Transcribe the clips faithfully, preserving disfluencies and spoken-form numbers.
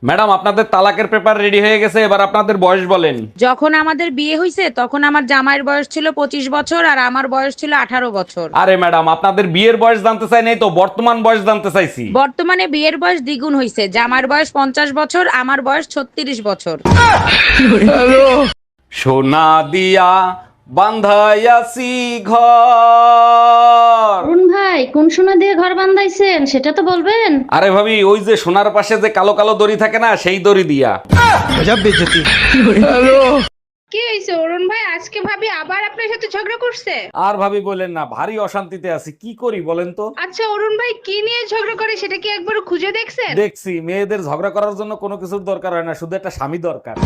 Madam আপনাদের তালাকের paper ready হয়ে গেছে, এবার আপনাদের বয়স বলেন। যখন আমাদের বিয়ে হয়েছে তখন আমার জামাইয়ের বয়স ছিল পঁচিশ বছর আর আমার বয়স ছিল আঠারো বছর। আরে ম্যাডাম আপনাদের বিয়ের বয়স জানতে চাই নাই তো, বর্তমান বয়স জানতে চাইছি। বর্তমানে বিয়ের বয়স দ্বিগুণ হয়েছে, জামাইয়ের বয়স পঞ্চাশ বছর, আমার বয়স ছত্রিশ বছর। সোনা দিয়া বান্ধাইয়াছি ঘর। অরুণ ভাই, কোন সোনা দিয়ে ঘর বান্ধাইছেন সেটা তো বলবেন। আরে ভাবি, ওই যে সোনার পাশে যে কালো কালো দড়ি থাকে না, সেই দড়ি দিয়া। কি হয়েছে অরুণ ভাই? আজকে ভাবি আবার আপনার সাথে ঝগড়া করছে? আর ভাবি বলেন না, ভারী অশান্তিতে আছি, কি করি বলেন তো। আচ্ছা অরুণ ভাই, কি নিয়ে ঝগড়া করে সেটা কি একবার খুঁজে দেখছেন? দেখছি মেয়েদের ঝগড়া করার জন্য কোনো কিছুর দরকার হয় না, শুধু একটা স্বামী দরকার।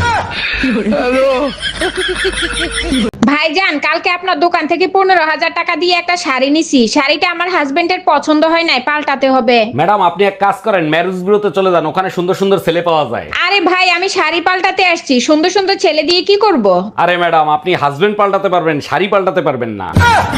ভাইজান, কালকে আপনার দোকান থেকে পনেরো হাজার টাকা দিয়ে একটা শাড়ি নিছি, শাড়িটা আমার হাজবেন্ডের পছন্দ হয় নাই, পাল্টাতে হবে। ম্যাডাম আপনি এক কাজ করেন, ম্যারেজ বিউরোতে চলে যান, ওখানে সুন্দর সুন্দর ছেলে পাওয়া যায়। আরে ভাই, আমি শাড়ি পাল্টাতে আসছি, সুন্দর সুন্দর ছেলে দিয়ে কি করব? আরে ম্যাডাম, আপনি হাজবেন্ড পাল্টাতে পারবেন, শাড়ি পাল্টাতে পারবেন না।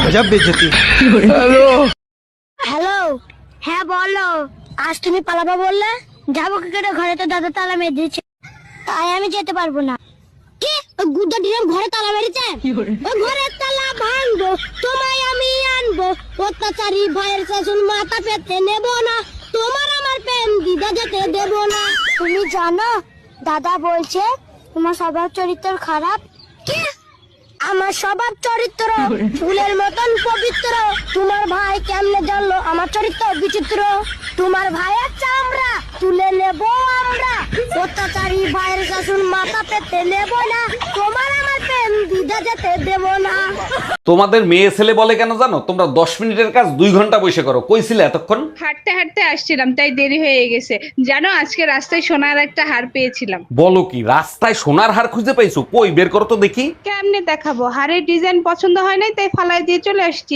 হ্যালো, হ্যাঁ বলো। আজ তুমি পালাবা বললে, যাবো কি করে? ঘরে তো দাদা তালা মেরে দিয়েছে, তাই আমি যেতে পারবো না। কি? ওই গুড্ডা ডিরাম ঘরে তালা মেরেছে? ওই ঘরের তালা ভাঙবো, তোমায় আমি আনবো। অত্যাচারী ভাইয়ের শাসন মাথা পেতে নেব না, তোমার আমার প্রেম দিদা যেতে দেব না। তুমি জানো, দাদা বলছে তোমার স্বভাব চরিত্র খারাপ। কি? আমার স্বভাব চরিত্র ফুলের মতন পবিত্র। তোমার ভাই কেমনে জানলো আমার চরিত্র বিচিত্র? তোমার ভাইয়ের চামড়া তুলে নেব আমরা, অত্যাচারী ভাইয়ের শাসন মাথা পেতে নেব না, তোমার আমার প্রেম দিদা যেতে দেব না। তোমাদের মেয়ে ছেলে বলে কেন জানো? তোমরা দশ মিনিটের কাজ দুই ঘন্টা বসে করো। কইছিলে এতক্ষণ? হাঁটতে হাঁটতে আসছিলাম, তাই দেরি হয়ে গেছে। জানো, আজকে রাস্তায় সোনার একটা হার পেয়েছিলাম। বলো কি, রাস্তায় সোনার হার খুঁজে পাইছো? কই বের করো তো দেখি। কেমনে দেখাবো? হারের ডিজাইন পছন্দ হয় নাই, তাই ফালাই দিয়ে চলে আসছি।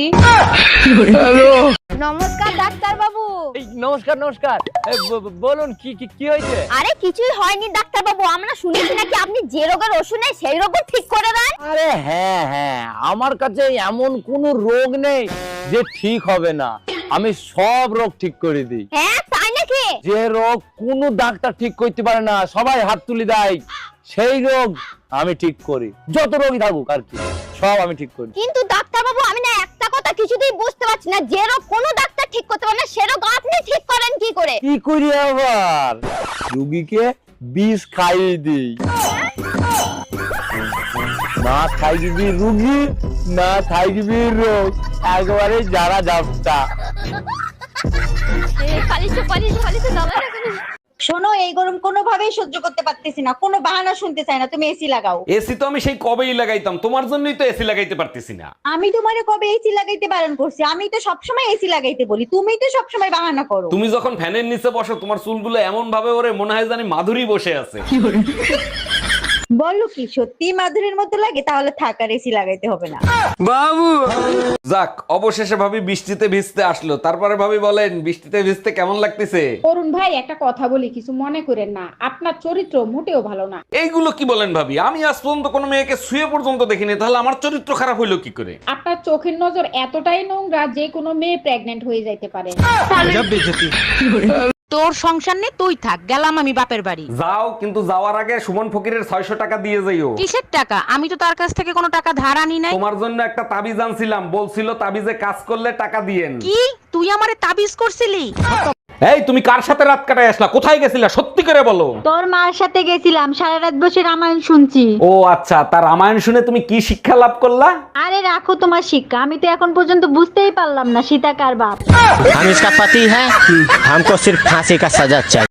নমস্কার ডাক্তার বাবু। এই, নমস্কার নমস্কার। এই, ব- ব- বলুন কি কি কি হয়েছে? আরে কিছুই হয়নি ডাক্তার বাবু, আমরা শুনেছি নাকি আপনি যে রোগের ওষুধ নেই সেই রোগও ঠিক করে দেন। আরে হ্যাঁ হ্যাঁ, আমার কাছে এমন কোনো রোগ নেই যে ঠিক হবে না। আমি সব রোগ ঠিক করে দিই। হ্যাঁ তাই নাকি? যে রোগ কোনো ডাক্তার ঠিক করতে পারে না, সবাই হাত তুলে দেয়, সেই রোগ আমি ঠিক করি। যত রোগই থাকুক আর কি, সব আমি ঠিক করি। কিন্তু ডাক্তার বাবু, আমি না একটা কথা কিছুতেই বুঝতে পারছি না, যে রোগ কোনো ডাক্তার ঠিক করতে পারে না সে রোগ আপনি ঠিক করেন কি করে? কি করি আবার? রুগীকে বিষ খাইয়ে দিই। না খাইবি রুগী, না খাইবি রোগ, একবারে যারা যাবটা। পালিশে পালিশে পালিশে দাদা শোনো, এই গরম কোনোভাবেই সহ্য করতে পারতেছি না, কোনো বাহানা শুনতে চাই না, তুমি এসি লাগাও। এসি তো আমি সেই কবেই লাগাইতাম, তোমার জন্যই তো এসি লাগাইতে পারতেছি না। আমি তোমারে কবে এসি লাগাইতে বারণ করছি? আমি তো সবসময় এসি লাগাইতে বলি, তুমি তো সবসময় বাহানা করো। তুমি যখন ফ্যানের নিচে বসো, তোমার চুলগুলো এমন ভাবে ওরে মনে হয় জানি মাধুরী বসে আছে। বলো কি, সত্যি মাধুরীর মতো লাগে? তাহলে থাক, আর এসি লাগাইতে হবে না। যাক, অবশেষে ভাবি বৃষ্টিতে ভিজতে আসলো। তারপরে ভাবি বলেন, বৃষ্টিতে ভিজতে কেমন লাগতেছে? অরুণ ভাই, একটা কথা বলি, কিছু মনে করেন না, আপনার চরিত্র মোটেও ভালো না। এইগুলো কি বলেন ভাবি? আমি আজ পর্যন্ত কোনো মেয়েকে শুয়ে পর্যন্ত দেখিনি, তাহলে আমার চরিত্র খারাপ হইলো কি করে? আপনার চোখের নজর এতটাই নোংরা যে কোনো মেয়ে প্রেগনেন্ট হয়ে যাইতে পারে। তোর সংসার নেই, তুই থাক, গেলাম আমি বাপের বাড়ি। যাও, কিন্তু যাওয়ার আগে সুমন ফকিরের ছয়শো টাকা দিয়ে যাইও। কিসের টাকা? আমি তো তার কাছ থেকে কোনো টাকা ধার আনি নাই। তোমার জন্য একটা তাবিজ আনছিলাম, বলছিল তাবিজে কাজ করলে টাকা দিয়েন। কি? তুই আমারে তাবিজ করছিলি? এই, তুমি কার সাথে রাত কাটায় আসলা? কোথায় গেছিলা? সত্যি করে বলো। তোর মার সাথে গেছিলাম, সারা রাত বসে রামায়ণ শুনছি। ও আচ্ছা, তার রামায়ণ শুনে তুমি কি শিক্ষা লাভ করলা? আরে রাখো তোমার শিক্ষা, আমি তো এখন পর্যন্ত বুঝতেই পারলাম না সীতা কার বাপ। हम इसका पति है, हमको सिर्फ फांसी का सजा चाहिए।